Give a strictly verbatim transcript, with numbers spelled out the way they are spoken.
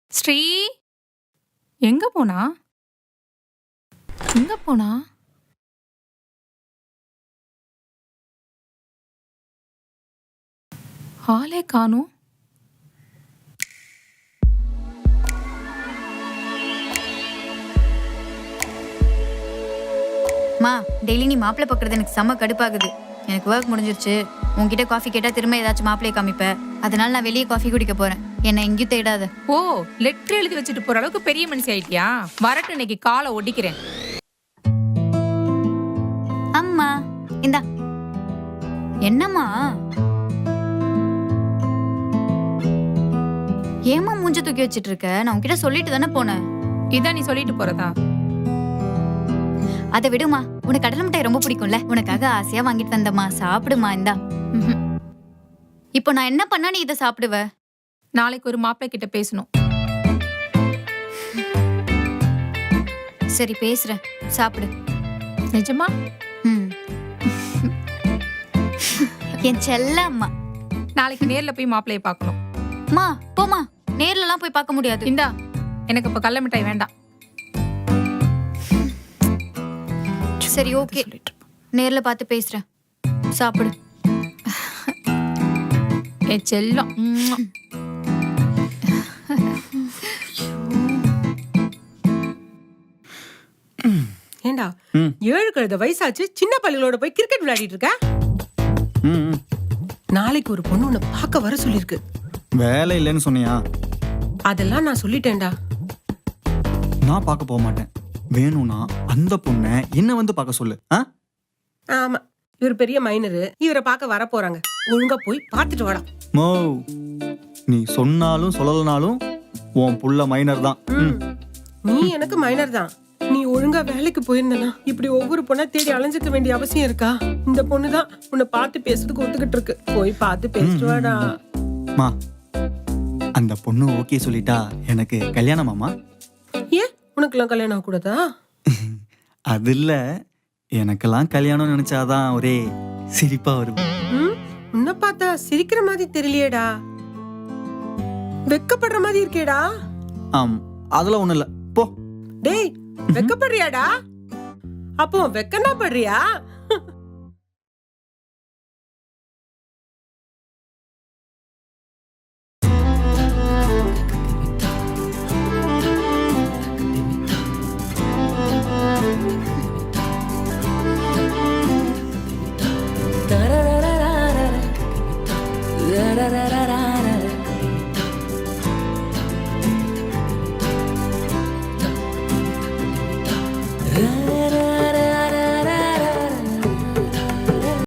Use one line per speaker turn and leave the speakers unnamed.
ஸ்ரீ எங்க போனா எங்க போனா ஆளே காணோம்.
மா டெய்லி நீ மாப்பிள்ளை பார்க்கறது எனக்கு செம்ம கடுப்பாகுது. எனக்கு ஒர்க் முடிஞ்சிருச்சு. உன்கிட்ட காஃபி கேட்டா திரும்ப ஏதாச்சும் மாப்பிள்ளையை காமிப்ப. அதனால நான் வெளியே காஃபி குடிக்க போறேன். என்னை எங்கேயும் தேடாத.
ஓ, லெட்டர் எழுதி வச்சுட்டு போற அளவுக்கு பெரிய மனுஷி ஆயிட்டியா? வரட்டும், இன்னைக்கு காலை ஒடிக்கிறேன்.
அம்மா இந்தா. என்னம்மா ஏமா மூஞ்ச தூக்கி வச்சிட்டு இருக்க? நான் உன்கிட்ட சொல்லிட்டு தானே போனேன்.
இதான் நீ சொல்லிட்டு போறதா?
அதை விடுமா, உனக்கு கடலை மிட்டாய் ரொம்ப பிடிக்கும்ல, உனக்காக ஆசையா வாங்கிட்டு வந்தம்மா. சாப்பிடுமா, இந்தா. இப்போ நான் என்ன பண்ணா நீ இதை சாப்பிடுவ?
நாளைக்கு ஒரு மாப்பிள்ளை கிட்ட பேசணும்.
சரி பேசுறேன், சாப்பிடு.
நிஜமா?
ம். என் செல்ல அம்மா.
நாளைக்கு நேர்ல போய் மாப்பிள்ளைய பார்க்கணும்.
மா போமா, நேர்ல எல்லாம் போய் பார்க்க முடியாது.
இந்தா, எனக்கு இப்ப கடலை மிட்டாய் வேண்டாம்.
சரி ஓகே, நேர்ல பார்த்து பேசுறேன். சாப்பிடு.
ஏ செல்லம்.
ஏண்டா ஏழு கழுத வயசாச்சு, சின்ன பள்ளிகளோட போய் கிரிக்கெட் விளையாடிட்டு இருக்க. நாளைக்கு ஒரு பொண்ணு உன்னை பார்க்க வர சொல்லிருக்கு.
வேலை இல்லைன்னு சொன்னியா?
அதெல்லாம் நான் சொல்லிட்டேன்டா.
நான் பார்க்க போக மாட்டேன். வேணும்னா அந்த பொண்ணை என்ன வந்து பார்க்க சொல்லு.
ஆமா, இவர் பெரிய மைனரு, இவரை பார்க்க வர போறாங்க. ஒழுங்கா போய் பார்த்துட்டு வாடா.
மோ, நீ சொன்னாலும் சொல்லலனாலும் உன் புள்ள மைனர் தான்.
நீ எனக்கு மைனர் தான். நீ ஒழுங்கா வேலைக்கு போயிருந்தனா இப்படி ஒவ்வொரு பொண்ணா தேடி அலைஞ்சிக்க வேண்டிய அவசியம் இருக்கா? இந்த பொண்ணுதான் உன்னை பார்த்து பேசுறதுக்கு ஒத்துக்கிட்டு இருக்கு. போய் பார்த்து பேசிட்டு வாடா.
மா, அந்த பொண்ணு ஓகே சொல்லிட்டா எனக்கு கல்யாணமாமா?
ஏன் உனக்கெல்லாம் கல்யாணம் ஆக கூடாதா?
அது இல்ல, எனக்கெல்லாம் கல்யாணம் நினைச்சாதான் ஒரே சிரிப்பா வரும்.
உன்னை பார்த்தா சிரிக்கிற மாதிரி தெரியலையேடா, வெக்கப்படுற மாதிரி இருக்கேடா.
ஆம், அதெல்லாம் ஒண்ணு இல்ல, போ.
டேய், வெக்கப்படுறியாடா? அப்போ வெக்கனா படுறியா?